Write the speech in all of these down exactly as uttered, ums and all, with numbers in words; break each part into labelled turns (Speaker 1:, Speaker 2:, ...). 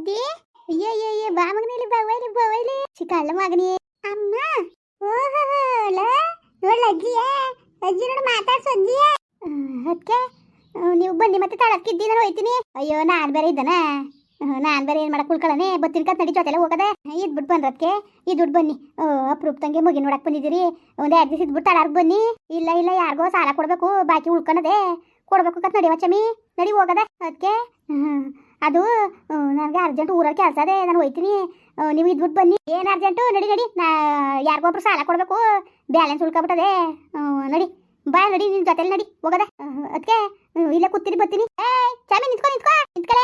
Speaker 1: ಅಜ್ಜಿ ಅಯ್ಯೋ ಅಯ್ಯೋ ಅಯ್ಯೋ ಬಾ ಮಗನಿಲಿ ಬವೈಲಿ ಬವೈಲಿ ಚಿಕ್ಕಳ್ಳ ಮಗನಿ ಅಮ್ಮ ಓಹೋ ನೋಡ್ಲ ಅಜ್ಜಿಯೇ ಅಜ್ಜಿ ನೋಡು ಮಾತಾಡ್ಸು ಅಜ್ಜಿಯೇ ಅದಕ್ಕೆ ನೀವು ಬನ್ನಿ ಮತ್ತೆ ತಳಕ್ಕಿದ್ದಿ ನಾನು ಹೋಯ್ತೀನಿ ಅಯ್ಯೋ ನಾನು ಬೇರೆ ಇದ್ದಾನ ನಾನು ಬೇರೆ ಏನು ಮಾಡಕ್ಕೆ ಉಳ್ಕೊಳ್ಳನೆ ಬತ್ತಿನ ಕತ್ ನಡಿ ಜೊತೆಲ್ಲ ಹೋಗದೆ ಇದು ಬಿಟ್ಟು ಬಂದ್ರದಕ್ಕೆ ಈ ದುಡ್ಡು ಬನ್ನಿ ಅಪ್ರೂಪ್ ತಂಗೆ ಮುಗಿ ನೋಡಕ್ಕೆ ಬಂದಿದ್ದೀರಿ ಒಂದು ಎರಡು ದಿವಸ ಇದ್ಬಿಟ್ಟು ತಳಾರ್ಗೆ ಬನ್ನಿ ಇಲ್ಲ ಇಲ್ಲ ಯಾರಿಗೋ ಸಾಲ ಕೊಡಬೇಕು ಬಾಕಿ ಉಳ್ಕೊಳದೆ ಕೊಡ್ಬೇಕು ಕತ್ ನಡಿ ವಚ್ಚಮಿ ನಡಿ ಹೋಗದೆ ಅದಕ್ಕೆ ಅದು ನನಗೆ ಅರ್ಜೆಂಟ್ ಊರಲ್ಲಿ ಕೆಲಸ ಅದೇ ನಾನು ಹೋಯ್ತೀನಿ ನೀವು ಇದ್ಬಿಟ್ಟು ಬನ್ನಿ ಏನು ಅರ್ಜೆಂಟು ನಡಿ ನಡಿ ನಾ ಯಾರಿಗೊಬ್ರು ಸಾಲ ಕೊಡಬೇಕು ಬ್ಯಾಲೆನ್ಸ್ ಉಳ್ಕೊಬಿಟ್ಟದೆ ನಡಿ ಬಾ ನಡಿ ನಿನ್ನ ಜೊತೆಲಿ ನಡಿ ಹೋಗದೆ ಅದಕ್ಕೆ ಇಲ್ಲೇ ಕೂತೀನಿ ಬರ್ತೀನಿ ಏಯ್ ಚಾಮಿ ನಿಂತ್ಕೊ ನಿಂತ್ಕೊ ನಿಂತ್ಕಲೇ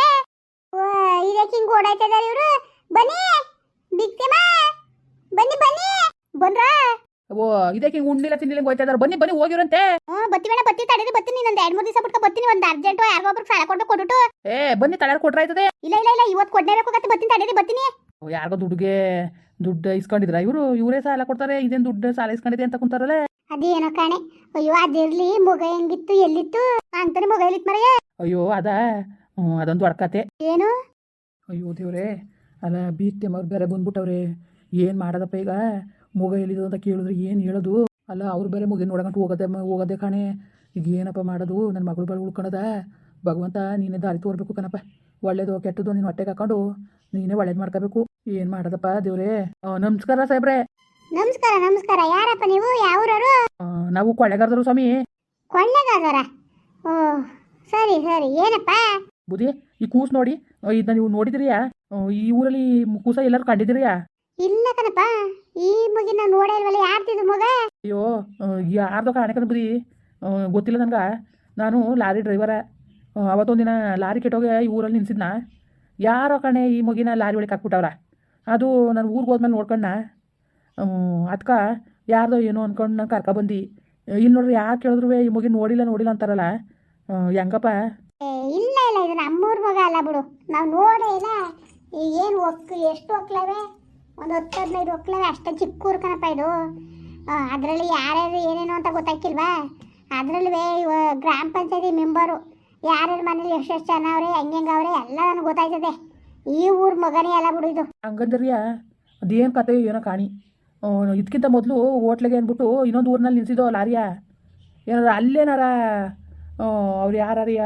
Speaker 1: ಇದಕ್ಕೆ ಹಿಂಗೆ ಓಡಾಯ್ತಿದ್ದಾರೆ ಇವರು ಬನ್ನಿ ಬಿಕ್ತಿಮ ಬನ್ನಿ ಬನ್ನಿ ಬಂದ್ರಾ
Speaker 2: ಓ ಇದಕ್ಕೆ ಉಣ್ಣಿಲ್ಲ ತಿನ್ನಿಲ್ಲ ಹೋಯ್ತಾ ಇದಾರೆ ಬನ್ನಿ ಬನ್ನಿ ಹೋಗಿರಂತೆ
Speaker 1: ಹ್ಞೂ ಬತ್ತಿ ಬೇಡ ಬತ್ತಿ ತಡೀರಿ ಬರ್ತೀನಿ ಇನ್ನೊಂದು ಎರಡು ಮೂರು ದಿವಸ ಬಿಟ್ಕೊ ಬರ್ತೀನಿ ಒಂದು ಅರ್ಜೆಂಟು ಯಾರಿಗೊಬ್ರು ಸಾಲ ಕೊಡ್ಬೇಕು ಕೊಟ್ಬಿಟ್ಟು
Speaker 2: ಏ ಬನ್ನಿ ತಡ ಕೊಟ್ರೆ ಆಯ್ತದೆ
Speaker 1: ಇಲ್ಲ ಇಲ್ಲ ಇಲ್ಲ ಇವತ್ತು ಕೊಡ್ಲೇಬೇಕು ಕತ್ತೆ ಬರ್ತೀನಿ ತಡೀರಿ ಬರ್ತೀನಿ
Speaker 2: ಯಾರಿಗೋ ದುಡ್ಡುಗೆ ದುಡ್ಡು ಇಸ್ಕೊಂಡಿದ್ರ ಇವರು ಇವರೇ ಸಾಲ ಕೊಡ್ತಾರೆ ಇದೇನು ದುಡ್ಡು ಸಾಲ ಇಸ್ಕೊಂಡಿದೆ ಅಂತ ಕುಂತಾರಲ್ಲ
Speaker 1: ಅದೇನೋ ಕಾಣೆ ಅಯ್ಯೋ ಅದಿರ್ಲಿ ಮೊಗ ಹೆಂಗಿತ್ತು ಎಲ್ಲಿತ್ತು ಅಂತಾನೆ ಮೊಗ ಎಲ್ಲಿತ್ತು ಮರೆಯೇ
Speaker 2: ಅಯ್ಯೋ ಅದ ಹ್ಞೂ ಅದೊಂದು ಅಡ್ಕತೆ
Speaker 1: ಏನು
Speaker 2: ಅಯ್ಯೋ ದೇವ್ರೆ ಅಲ್ಲ ಬೀಗ್ತೆ ಮರು ಬೇರೆ ಬಂದ್ಬಿಟ್ಟವ್ರೆ ಏನು ಮಾಡೋದಪ್ಪ ಈಗ ಮೊಗ ಎಲ್ಲಿದು ಅಂತ ಕೇಳಿದ್ರೆ ಏನು ಹೇಳೋದು ಅಲ್ಲ ಅವ್ರು ಬೇರೆ ಮುಗಿ ನೋಡಕಂಟು ಹೋಗೋದೆ ಹೋಗೋದೆ ಕಾಣೆ ಈಗ ಏನಪ್ಪ ಮಾಡೋದು ನನ್ನ ಮಗಳು ಬಳಿ ಉಳ್ಕೊಳದ ಭಗವಂತ ನೀನೇ ದಾರಿ ತೋರ್ಬೇಕು ಕಣಪ್ಪ ಒಳ್ಳೇದು ಕೆಟ್ಟದ್ದು ನೀನು ಹೊಟ್ಟೆಗೆ ಹಾಕೊಂಡು ನೀನೇ ಒಳ್ಳೇದು ಮಾಡ್ಕೋಬೇಕು ಏನು ಮಾಡೋದಪ್ಪ ದೇವ್ರೆ ನಮಸ್ಕಾರ ಸಾಹೇಬ್ರೆ
Speaker 1: ನಮಸ್ಕಾರ ನಮಸ್ಕಾರ ಯಾರಪ್ಪ ನೀವು ಯಾವೂರವರು
Speaker 2: ನಾವು ಕೊಳ್ಳೆಗಾರದರು ಸ್ವಾಮಿ
Speaker 1: ಕೊಳ್ಳೆಗಾರರ ಓ ಸರಿ ಸರಿ ಏನಪ್ಪ
Speaker 2: ಬುದಿ ಈ ಕೂಸು ನೋಡಿ ಇದನ್ನ ನೀವು ನೋಡಿದಿರಿಯಾ ಈ ಊರಲ್ಲಿ ಕೂಸ ಎಲ್ಲರೂ ಕಂಡಿದ್ದೀರಿಯಾ
Speaker 1: ಇಲ್ಲ ಕಣಪ್ಪ ಈ ಮುಗಿನ ನೋಡೇ ಇಲ್ವಲ್ಲ ಯಾರ್ತಿದ್ದು ಮಗ
Speaker 2: ಅಯ್ಯೋ ಯಾರ್ದೋ ಕಾಣಕಂದ್ ಬುದಿ ಗೊತ್ತಿಲ್ಲ ನನ್ಗೆ ನಾನು ಲಾರಿ ಡ್ರೈವರ ಅವತ್ತೊಂದಿನ ಲಾರಿ ಕೆಟ್ಟೋಗಿ ಈ ಊರಲ್ಲಿ ನಿಲ್ಸಿದ್ನ ಯಾರೋ ಕಣೆ ಈ ಮುಗಿನ ಲಾರಿ ಒಳಗೆ ಹಾಕ್ಬಿಟ್ಟವ್ರ ಅದು ನಾನು ಊರಿಗೆ ಹೋದ್ಮೇಲೆ ನೋಡ್ಕೊಂಡ ಅದಕ್ಕೆ ಯಾರ್ದೋ ಏನೋ ಅಂದ್ಕೊಂಡು ನಾನು ಕರ್ಕೊಬಂದು ಇಲ್ಲಿ ನೋಡ್ರಿ ಯಾರು ಕೇಳಿದ್ರು ಈ ಮುಗಿ ನೋಡಿಲ್ಲ ನೋಡಿಲ್ಲ ಅಂತಾರಲ್ಲ ಹೆಂಗಪ್ಪ
Speaker 1: ಇಲ್ಲ ಇಲ್ಲ ಇದು ನಮ್ಮೂರ್ ಮಗ ಅಲ್ಲ ಬಿಡು ನಾವು ನೋಡೇ ಇಲ್ಲ ಏನು ಒಕ್ಕ ಎಷ್ಟು ಒಕ್ಲವೆ ಒಂದು ಹತ್ತು ಹದಿನೈದು ಒಕ್ಲವೆ ಅಷ್ಟೇ ಚಿಕ್ಕ ಊರು ಕಣಪ್ಪ ಇದು ಅದರಲ್ಲಿ ಯಾರ್ಯಾರು ಏನೇನು ಅಂತ ಗೊತ್ತಾಗ್ತಿಲ್ವಾ ಅದರಲ್ಲಿ ಗ್ರಾಮ ಪಂಚಾಯತಿ ಮೆಂಬರು ಯಾರ್ಯಾರ ಮನೇಲಿ ಎಷ್ಟೆಷ್ಟು ಜನ ಅವ್ರೆ ಹೆಂಗೆ ಅವ್ರೆ ಎಲ್ಲ ನನಗೆ ಗೊತ್ತಾಯ್ತದೆ ಈ ಊರು ಮಗನೇ ಅಲ್ಲ ಬಿಡು ಇದು
Speaker 2: ಹಂಗಂದ್ರಿಯ ಅದೇನು ಕತೆ ಏನೋ ಕಾಣಿ ಇದಕ್ಕಿಂತ ಮೊದಲು ಹೋಟ್ಲಿಗೆ ಅಂದ್ಬಿಟ್ಟು ಇನ್ನೊಂದು ಊರಿನಲ್ಲಿ ನಿಲ್ಸಿದ್ದೋ ಲಾರಿಯ ಏನಾರ ಅಲ್ಲೇನಾರ ಅವ್ರು ಯಾರ್ಯಾರಿಯ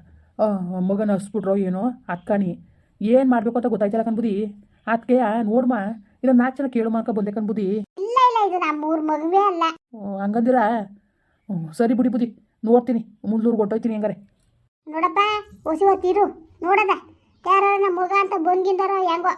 Speaker 2: ಮಗನ ಹಸ್ಬಿಟ್ರೋ ಏನೋ ಅತ್ಕಾಣಿ ಏನು ಮಾಡಬೇಕು ಅಂತ ಗೊತ್ತಾಯ್ತಲ್ಲ ಕನ್ಬುದಿ ಅದಕ್ಕೆ ನೋಡ್ಮ ಇಲ್ಲ ನಾಲ್ಕು ಜನ ಕೇಳು ಮಾಡ್ಕೊ ಬಂದೆ ಕನ್ಬುದಿ
Speaker 1: ಇಲ್ಲ ಇಲ್ಲ ಇದು ನಮ್ಮೂರು ಮಗುವೇ ಅಲ್ಲ
Speaker 2: ಹಂಗಂದಿರ ಸರಿ ಬಿಡಿ ಬುದಿ ನೋಡ್ತೀನಿ ಮುಂದೂರ್ಗೆ ಹೊಟ್ಟೋಯ್ತೀನಿ ಹೆಂಗಾರೆ
Speaker 1: ನೋಡಪ್ಪ ಹೊಸಿ ಹೊತ್ತಿರು ನೋಡದ ಯಾರು ನಮ್ಮ ಮಗ ಅಂತ ಬಂದಿಂದಾರೋ ಹೆಂಗೋ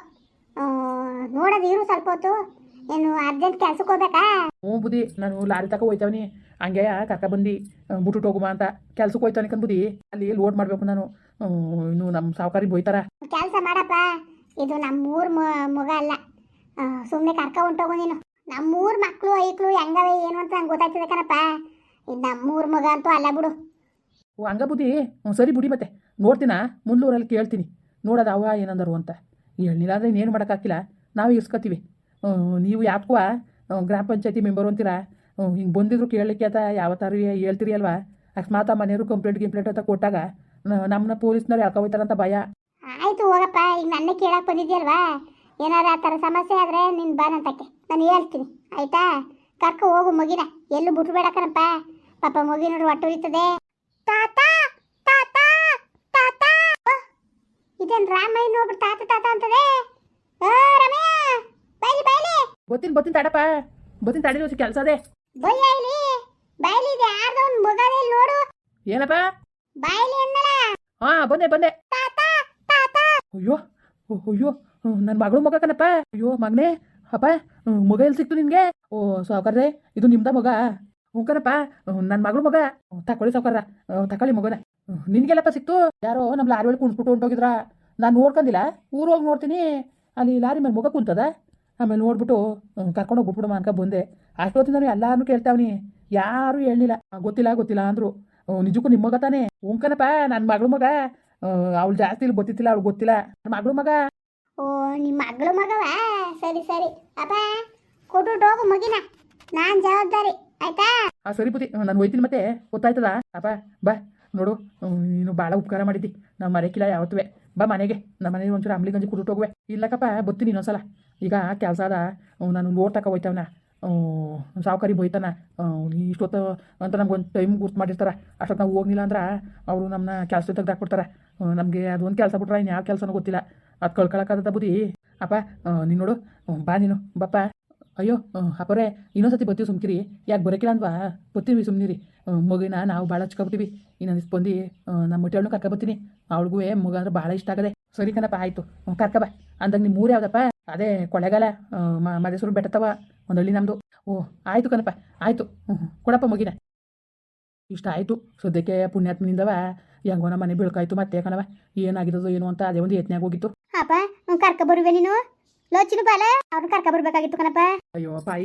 Speaker 1: ನೋಡೋದು ಇರು ಸ್ವಲ್ಪ ಹೊತ್ತು ಏನು ಅರ್ಜೆಂಟ್ ಕೆಲ್ಸಕ್ಕೆ ಹೋಗ್ಬೇಕಾ
Speaker 2: ಹ್ಞೂ ಬುದಿ ನಾನು ಲಾರಿ ತಕ ಹೋಯ್ತವನಿ ಹಂಗೆ ಕರ್ಕ ಬಂದು ಬಿಟ್ಟು ಹೋಗುಮ ಅಂತ ಕೆಲ್ಸಕ್ಕೆ ಹೋಯ್ತಾನೆ ಕನ್ಬುದಿ ಅಲ್ಲಿ ಲೋಡ್ ಮಾಡಬೇಕು ನಾನು ಇನ್ನು ನಮ್ಮ ಸಾವುಕಾರಿ ಬೋಯ್ತಾರ
Speaker 1: ಕೆಲಸ ಮಾಡಪ್ಪ ಇದು ನಮ್ಮೂರ್ ಮಗ ಅಲ್ಲ ಸುಮ್ಮನೆ ಕರ್ಕ ಹೊಂಟೋಗು ನೀನು ನಮ್ಮೂರ್ ಮಕ್ಕಳು ಐಕ್ಳು ಹೆಂಗವೆ ಏನು ಅಂತ ನಂಗೆ ಗೊತ್ತಾಯ್ತದೆ ಕಣಪ್ಪ ಇದು ನಮ್ಮೂರ್ ಮಗ ಅಂತೂ ಅಲ್ಲ ಬಿಡು
Speaker 2: ಓ ಹಂಗ ಬುದ್ಧಿ ಹ್ಞೂ ಸರಿ ಬಿಡಿ ಮತ್ತೆ ನೋಡ್ತೀನ ಮುಂದೂರಲ್ಲಿ ಕೇಳ್ತೀನಿ ನೋಡೋದು ಅವ ಏನಂದರು ಅಂತ ಹೇಳಿಲ್ಲ ಅಂದರೆ ಇನ್ನೇನು ಮಾಡೋಕ್ಕಾಗಿಲ್ಲ ನಾವು ಇಸ್ಕೊತೀವಿ ನೀವು ಯಾಕೋ ಗ್ರಾಮ ಪಂಚಾಯತಿ ಮೆಂಬರು ಅಂತೀರಾ ಹಿಂಗೆ ಬಂದಿದ್ರು ಕೇಳಲಿಕ್ಕೆ ಅಂತ ಯಾವತ್ತಾರು ಹೇಳ್ತೀರಿ ಅಲ್ವಾ ಅಕಸ್ಮಾತ್ ಆ ಮನೆಯವರು ಕಂಪ್ಲೇಂಟ್ ಗಿಂಪ್ಲೇಂಟ್ ಅಂತ ಕೊಟ್ಟಾಗ ನಮ್ಮನ್ನ ಪೊಲೀಸ್ನವ್ರು ಯಾಕೋಯ್ತಾರಂತ ಭಯ
Speaker 1: ಆಯಿತು ಹೋಗಪ್ಪ ಈಗ ನನ್ನ ಕೇಳಕ್ಕೆ ಬಂದಿದ್ಯಲ್ವಾ ಏನಾರ ಆ ಥರ ಸಮಸ್ಯೆ ಆದರೆ ನಿನ್ನ ಬಾನಂತಕ್ಕೆ ನಾನು ಹೇಳ್ತೀನಿ ಆಯಿತಾ ಕರ್ಕೊ ಹೋಗು ಮಗಿನ ಎಲ್ಲೂ ಬಿಟ್ಟು ಬೇಡ ಕಣಪ್ಪ ಪಾಪ ಮಗಿ ನೋಡಿ ಒಟ್ಟು ಉರಿತದೆ ತಾತ ತಾತ ತಾತ ಇದೇನು ರಾಮಯ್ಯ ನೋಡ್ಬಿಟ್ಟು ತಾತ ತಾತ ಅಂತದೆ ರಮಯ್ಯ ಬೈಲಿ ಬೈಲಿ
Speaker 2: ಬತ್ತೀನಿ ಬತ್ತೀನಿ ತಡಪ್ಪ ಬತ್ತೀನಿ ತಡಿ ಹೊಸ ಕೆಲಸ ಅದೇ
Speaker 1: ಬಯ್ಯ ಇಲ್ಲಿ ಬೈಲಿ ಇದೆ ಯಾರ್ದೋ ಒಂದು ಮಗನೇ ನೋಡು
Speaker 2: ಏನಪ್ಪ
Speaker 1: ಬಾಯ್ಲಿ ಅನ್ನಲ್ಲ
Speaker 2: ಹಾಂ ಬಂದೆ ಬಂದೆ
Speaker 1: ತಾತ ತಾತ
Speaker 2: ಅಯ್ಯೋ ಅಯ್ಯೋ ನನ್ನ ಮಗಳು ಮಗ ಕಣಪ್ಪ ಅಯ್ಯೋ ಮಗನೇ ಅಪ್ಪ ಮಗ ಎಲ್ಲಿ ಸಿಕ್ತು ನಿನಗೆ ಓ ಸಾವುಕಾರ್ರೆ ಇದು ನಿಮ್ದ ಮಗ ಹ್ಞೂ ಕಣಪ್ಪ ನನ್ನ ಮಗಳು ಮಗ ತಕೊಳ್ಳಿ ಸಾವುಕಾರ ತಕೊಳ್ಳಿ ಮಗನ ನಿನಗೆಲ್ಲಪ್ಪ ಸಿಕ್ತು ಯಾರೋ ನಮ್ಮ ಲಾರಿ ಒಳಗೆ ಕುಣ್ಸ್ಬಿಟ್ಟು ಹೊಂಟೋಗಿದ್ರ ನಾನು ನೋಡ್ಕೊಂಡಿಲ್ಲ ಊರು ಹೋಗಿ ನೋಡ್ತೀನಿ ಅಲ್ಲಿ ಲಾರಿ ಮೇಲೆ ಮಗ ಕುಂತದ ಆಮೇಲೆ ನೋಡ್ಬಿಟ್ಟು ಕರ್ಕೊಂಡೋಗಿ ಬಿಟ್ಬಿಡಮ್ಮ ಅನ್ಕ ಬಂದೆ ಅಷ್ಟೊತ್ತಿಂದ ನಾನು ಎಲ್ಲಾರನ್ನೂ ಕೇಳ್ತಾವನಿ ಯಾರೂ ಹೇಳಲಿಲ್ಲ ಗೊತ್ತಿಲ್ಲ ಗೊತ್ತಿಲ್ಲ ಅಂದರು ನಿಜಕ್ಕೂ ನಿಮ್ಮ ಮಗ ತಾನೇ ಉಂಕನಪ್ಪ ನನ್ನ ಮಗಳು ಮಗ ಅವಳು ಜಾಸ್ತಿ ಇಲ್ಲಿ ಗೊತ್ತಿತ್ತಿಲ್ಲ ಅವಳು ಗೊತ್ತಿಲ್ಲ ನನ್ನ ಮಗಳು ಮಗ
Speaker 1: ಓ ನಿಮ್ಮ ಮಗಳು ಮಗವ ಸರಿ ಸರಿ ಅಪ್ಪ ಕೊಟ್ಟು ಹೋಗು ಮಗಿನ ನಾನು ಜವಾಬ್ದಾರಿ ಆಯ್ತಾ
Speaker 2: ಹಾಂ ಸರಿ ಬುದ್ಧಿ ನಾನು ಹೋಯ್ತೀನಿ ಮತ್ತೆ ಗೊತ್ತಾಯ್ತದ ಅಪ್ಪ ಬಾ ನೋಡು ನೀನು ಭಾಳ ಉಪಕಾರ ಮಾಡಿದ್ದಿ ನಾವು ಮರೆಕಿಲ್ಲ ಯಾವತ್ತೂ ಬಾ ಮನೆಗೆ ನಮ್ಮ ಮನೆಗೆ ಒಂಚೂರು ಅಂಬ್ಲಿ ಗಂಜಿ ಕುಡಿಟ್ಟು ಹೋಗುವೆ. ಇಲ್ಲಕ್ಕಪ್ಪ ಬತ್ತೀನಿ ಇನ್ನೊಂದ್ಸಲ. ಈಗ ಕೆಲಸ ಅದ, ಅವ್ನು ನಾನು ಲೋಡ್ ತಕ ಹೋಯ್ತವನ, ಸಾವುಕಾರಿ ಬೈತಾನ, ಇಷ್ಟೊತ್ತು ಅಂತ ನಮ್ಗೆ ಒಂದು ಟೈಮ್ ಗುರ್ತು ಮಾಡಿರ್ತಾರೆ. ಅಷ್ಟೊತ್ತು ನಾವು ಹೋಗ್ಲಿಲ್ಲ ಅಂದ್ರೆ ಅವರು ನಮ್ಮನ್ನ ಕೆಲಸ ತೆಗ್ದು ಹಾಕ್ಬಿಡ್ತಾರೆ. ನಮಗೆ ಅದೊಂದು ಕೆಲಸ ಬಿಟ್ರೆ ಇನ್ನು ಯಾವ ಕೆಲಸನೂ ಗೊತ್ತಿಲ್ಲ. ಅದು ಕಳ್ಕೊಳಕ್ಕಾದ ಬುದ್ಧಿ. ಅಪ್ಪ ನೀನು ನೋಡು, ಬಾ ನೀನು ಬಪ್ಪ. ಅಯ್ಯೋ ಅಪ್ಪರೇ ಇನ್ನೊಂದ್ಸತಿ ಬರ್ತೀವಿ ಸುಮ್ಕಿರಿ. ಯಾಕೆ ಬರೋಕಿಲ್ಲ ಅಂದ್ವಾ? ಬರ್ತೀವಿ ಸುಮ್ಮನಿರಿ. ಮಗಿನ ನಾವು ಭಾಳ ಹಚ್ಕೊಬಿಟ್ಟಿವಿ. ಇನ್ನೊಂದಿಷ್ಟು ಬಂದು ನಮ್ಮ ಮುಟ್ಟೆಣ್ಣು ಕರ್ಕ ಬರ್ತೀನಿ. ಅವಳಿಗೂ ಮಗ ಅಂದ್ರೆ ಭಾಳ ಇಷ್ಟ ಆಗದೆ. ಸರಿ ಕಣಪ್ಪ, ಆಯಿತು ಕರ್ಕ ಬಾ. ಅಂದಾಗ ನಿಮ್ಮ ಮೂರು ಯಾವುದಪ್ಪ? ಅದೇ ಕೊಳ್ಳೆಗಾಲ ಮದೇಶ್ವರ ಬೆಟ್ಟತ್ತವ ಒಂದು ಹಳ್ಳಿ ನಮ್ಮದು. ಓ ಆಯಿತು ಕಣಪ್ಪ, ಆಯಿತು. ಹ್ಞೂ ಹ್ಞೂ ಕೊಡಪ್ಪ ಮಗಿನ. ಇಷ್ಟ ಆಯಿತು ಸದ್ಯಕ್ಕೆ ಪುಣ್ಯಾತ್ಮನಿಂದವ ಹೆಂಗೋ ನಮ್ಮ ಮನೆ ಬೀಳ್ಕಾಯ್ತು. ಮತ್ತೆ ಕಣವ ಏನಾಗಿರೋದು ಏನು ಅಂತ ಅದೇ ಒಂದು ಯತ್ನಾಗ ಹೋಗಿತ್ತು.
Speaker 1: ಅಪ್ಪ ಕರ್ಕ ಬರುವೆ ನೀನು ಲೋಚಿನ ಬಾಲ ಅವ್ರನ್ನ ಕರ್ಕ ಬರ್ಬೇಕಾಗಿತ್ತು ಕಣಪ್ಪ.
Speaker 2: ಅಯ್ಯೋ ಪಾಯಿ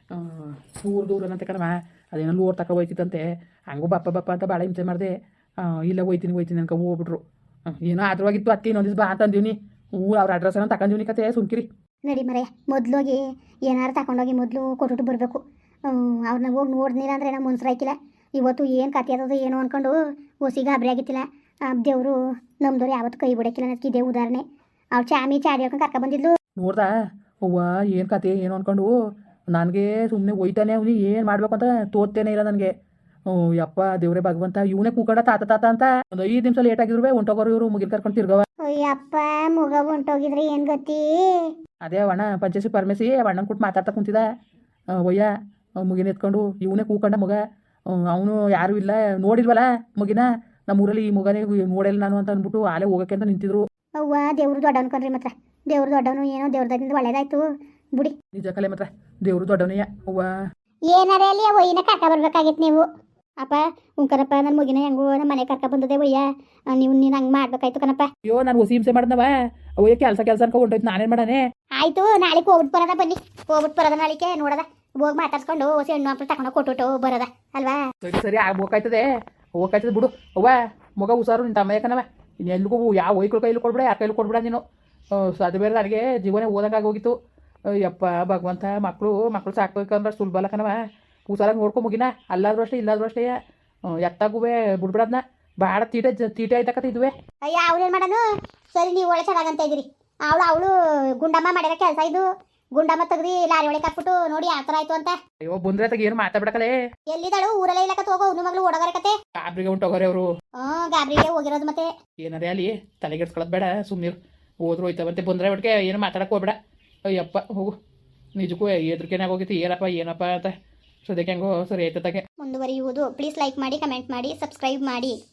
Speaker 2: ದೂರ ದೂರನಂತೆ ಕಣವ, ಅದೇನೋ ಲೋಡ್ ತಕ ಹೋಯ್ತಿತ್ತಂತೆ. ಹಂಗೂ ಬಪ್ಪ ಬಪ್ಪ ಅಂತ ಭಾಳ ಹಿಂಸೆ ಮಾಡಿದೆ. ಇಲ್ಲ ಹೋಯ್ತೀನಿ ಹೋಯ್ತೀನಿ ಅನ್ಕೊ ಹೋಗ್ಬಿಟ್ರು. ಏನೋ ಆದ್ರವಾಗಿತ್ತು. ಅದಕ್ಕೆ ಇನ್ನೊಂದು ದಿವಸ ಬಾ ಅಂತಂದೀನಿ. ಹ್ಞೂ ಅವ್ರ ಅಡ್ರೆಸ್ಸನ್ನು ತಗೊಂಡಿವ್ನಿ ಕತೆ ಸುಮ್ಕಿರಿ.
Speaker 1: ನಡಿ ಮರೆ ಮೊದ್ಲೋಗಿ ಏನಾರು ತಗೊಂಡೋಗಿ ಮೊದಲು ಕೊಟ್ಬಿಟ್ಟು ಬರಬೇಕು. ಅವ್ರನ್ನ ಹೋಗಿ ನೋಡ್ನಿಲ್ಲ ಅಂದರೆ ನಾವು ಮುನ್ಸ್ರಾಯ್ಕಿಲ್ಲ. ಇವತ್ತು ಏನು ಕತೆ ಅದ ಏನು ಅಂದ್ಕೊಂಡು ಹೊಸಿ ಗಾಬರಿ ಆಗಿತ್ತಿಲ್ಲ. ದೇವರು ನಮ್ದವ್ರು ಯಾವತ್ತು ಕೈ ಬಿಡೋಕ್ಕಿಲ್ಲ ಅನ್ನೋದಕ್ಕೆ ಇದೇ ಉದಾಹರಣೆ. ಅವ್ರು ಚಾಮಿ ಚಾಡಿ ಹಾಕೊಂಡು ಕರ್ಕ ಬಂದಿದ್ಲು.
Speaker 2: ನೋಡ್ದಾ ಅವ್ವ ಏನು ಕತೆ ಏನು ಅಂದ್ಕೊಂಡು ನನಗೆ ಸುಮ್ಮನೆ ಒಯ್ತಾನೆ ಅವ್ನಿ ಏನು ಮಾಡ್ಬೇಕು ಅಂತ ತೋರ್ತೇನೆ ಇಲ್ಲ ನನಗೆ. ಯಪ್ಪ ದೇವ್ರೆ ಭಗವಂತ, ಇವನೇ ಕೂಕಂಡ ತಾತ ತಾತ ಅಂತ ಒಂದು ಐದು ನಿಮಿಷ ಲೇಟ್ ಆಗಿದ್ರು ಹೊಂಟೋಗೋರು ಇವರು ಮುಗಿಲ್ ಕರ್ಕೊಂಡು ತಿರ್ಗವ.
Speaker 1: ಅಯ್ಯಪ್ಪ ಮುಗ ಹೊಂಟೋಗಿದ್ರೆ ಏನು ಗತಿ?
Speaker 2: ಅದೇ ಅಣ್ಣ ಪಂಚಸಿ ಪರಮೇಸಿ ಅಣ್ಣನ ಕೊಟ್ಟು ಮಾತಾಡ್ತಾ ಕುಂತಿದ. ಒಯ್ಯ ಮುಗಿನ ಎತ್ಕೊಂಡು ಇವನೇ ಕೂಕಂಡ ಮಗ. ಅವನು ಯಾರೂ ಇಲ್ಲ ನೋಡಿಲ್ವಲ್ಲ ಮುಗಿನ. ನಮ್ಮೂರಲ್ಲಿ ಈ ಮಗನೇ ನೋಡಿಲ್ಲ ನಾನು ಅಂತ ಅಂದ್ಬಿಟ್ಟು ಆಲೇ ಹೋಗೋಕ್ಕೆ ಅಂತ ನಿಂತಿದ್ರು.
Speaker 1: ಅವ್ವ ದೇವ್ರು ದೊಡ್ಡ ಅನ್ಕೊಂಡ್ರಿ ಮಾತ್ರ. ದೇವ್ರು ದೊಡ್ಡವನು ಏನೋ ದೇವ್ರದಿಂದ ಒಳ್ಳೇದಾಯ್ತು ಬಿಡಿ.
Speaker 2: ನಿಜ ಕಲೆ ಮಾತ್ರ ದೇವ್ರು ದೊಡ್ಡವನೆಯ. ಅವ್ವ
Speaker 1: ಏನಾರೇ ಅಲ್ಲಿ ಒಯ್ಯನ ಕರ್ಕ ಬರ್ಬೇಕಾಗಿತ್ತು ನೀವು. ಅಪ್ಪ ಹ್ಞೂ ಕಣಪ್ಪ, ನನ್ನ ಮುಗಿನ ಹೆಂಗೋ ನಮ್ಮ ಮನೆ ಕರ್ಕ ಬಂದದೆ ಒಯ್ಯ. ನೀವು ನೀನು ಹಂಗೆ ಮಾಡ್ಬೇಕಾಯ್ತು ಕಣಪ್ಪ.
Speaker 2: ಅಯ್ಯೋ ನಾನು ಹೊಸಿ ಹಿಂಸೆ ಮಾಡಿದ್ನವ. ಅವಯ್ಯ ಕೆಲಸ ಕೆಲಸ ಅನ್ಕೊ ಹೊಂಟೋಯ್ತು. ನಾನೇನು ಮಾಡಾನೆ?
Speaker 1: ಆಯಿತು ನಾಳೆಗೆ ಹೋಗ್ಬಿಟ್ಟು ಬರೋದ, ಬನ್ನಿ ಹೋಗ್ಬಿಟ್ಟು ಬರೋದ ನಾಳಿಕೆ ನೋಡೋದ. ಹೋಗಿ ಮಾತಾಡ್ಸ್ಕೊಂಡು ಹೊಸಿ ಹೆಣ್ಣು ಮಕ್ಕಳು ತಗೊಂಡು ಕೊಟ್ಟು ಬರೋದ ಅಲ್ವಾ?
Speaker 2: ಸರಿ ಸರಿ ಆಗ್ಬೇಕಾಯ್ತದೆ, ಹೋಗ್ಕಾಯ್ತದೆ ಬಿಡು. ಅವ್ವ ಮಗ ಹುಷಾರು ನಿನ್ನ ತಮ್ಮ ಯಾಕನವ. ಇನ್ನು ಎಲ್ರಿಗೂ ಯಾವ ಒಯ್ಕಳ ಕೈಲಿ ಕೊಡ್ಬಿಡ, ಯಾರ ಕೈಲಿ ಕೊಡ್ಬಿಡ ನೀನು. ಅದು ಬೇರೆ ನನಗೆ ಜೀವನ ಓದಂಗಾಗಿ ಹೋಗಿತ್ತು. ಯಪ್ಪ ಭಗವಂತ, ಮಕ್ಕಳು ಮಕ್ಕಳು ಸಾಕ್ಬೇಕಂದ್ರೆ ಸುಲಭ ಅಲ್ಲ ಕಣವ. ಹುಷಾರಾಗಿ ನೋಡ್ಕೊ ಮುಗಿನ. ಅಲ್ಲಾದ್ರೂ ಅಷ್ಟೇ ಇಲ್ಲಾದ್ರೂ ಅಷ್ಟೇ ಎತ್ತಾಗುವೆ ಬಿಡ್ಬಿಡದ್ನ. ಭಾಳ ತೀಟೆ ತೀಟೆ ಆಯ್ತಕತ್ತ ಇದುವೆ.
Speaker 1: ಅಯ್ಯ ಅವ್ಳೇನು ಮಾಡೋನು? ಸರಿ ನೀವು ಒಳ್ಳೆ ಚೆನ್ನಾಗಂತ ಇದ್ದೀರಿ. ಅವಳು ಅವಳು ಗುಂಡಮ್ಮ ಮಾಡಿರೋ ಕೆಲಸ ಇದು. ಗುಂಡಮ್ಮ ತೆಗ್ದು ಲಾರಿ ಒಳಗೆ ಹಾಕ್ಬಿಟ್ಟು ನೋಡಿ ಯಾವ ಥರ ಆಯ್ತು ಅಂತ.
Speaker 2: ಅಯ್ಯೋ ಬಂದ್ರೆ ತಗ ಏನು ಮಾತಾಡ್ಬಿಡಕಲೆ.
Speaker 1: ಎಲ್ಲಿದ್ದಾಳು? ಊರಲ್ಲೇ ಇಲ್ಲಕತ್ ಹೋಗೋ ಅವ್ನ ಮಗಳು ಓಡೋಗರ ಕತೆ.
Speaker 2: ಗಾಬ್ರಿಗೆ ಉಂಟೋಗೋರೆ ಅವರು.
Speaker 1: ಹ್ಞೂ ಗಾಬ್ರಿಗೆ ಹೋಗಿರೋದು ಮತ್ತೆ.
Speaker 2: ಏನಾರೇ ಅಲ್ಲಿ ತಲೆಗೆಡ್ಸ್ಕೊಳ್ಳೋದು ಬೇಡ, ಸುಮ್ಮನೆ ಹೋದ್ರು ಹೋಯ್ತವಂತೆ. ಬಂದ್ರೆ ಒಟ್ಟಿಗೆ ಏನು ಮಾತಾಡಕ್ಕೆ ಹೋಗ್ಬೇಡ. ಅಯ್ಯಪ್ಪ ಹೋಗು. ನಿಜಕ್ಕೂ ಎದ್ರಿಕೆನಾಗ ಹೋಗಿತ್ತು ಏನಪ್ಪ ಏನಪ್ಪ ಅಂತ. ಸದ್ಯಕ್ಕೆ ಹೆಂಗೋ ಸರಿ ಆಯ್ತದಾಗೆ
Speaker 1: ಮುಂದುವರಿಯುವುದು. ಪ್ಲೀಸ್ ಲೈಕ್ ಮಾಡಿ, ಕಮೆಂಟ್ ಮಾಡಿ, ಸಬ್ಸ್ಕ್ರೈಬ್ ಮಾಡಿ.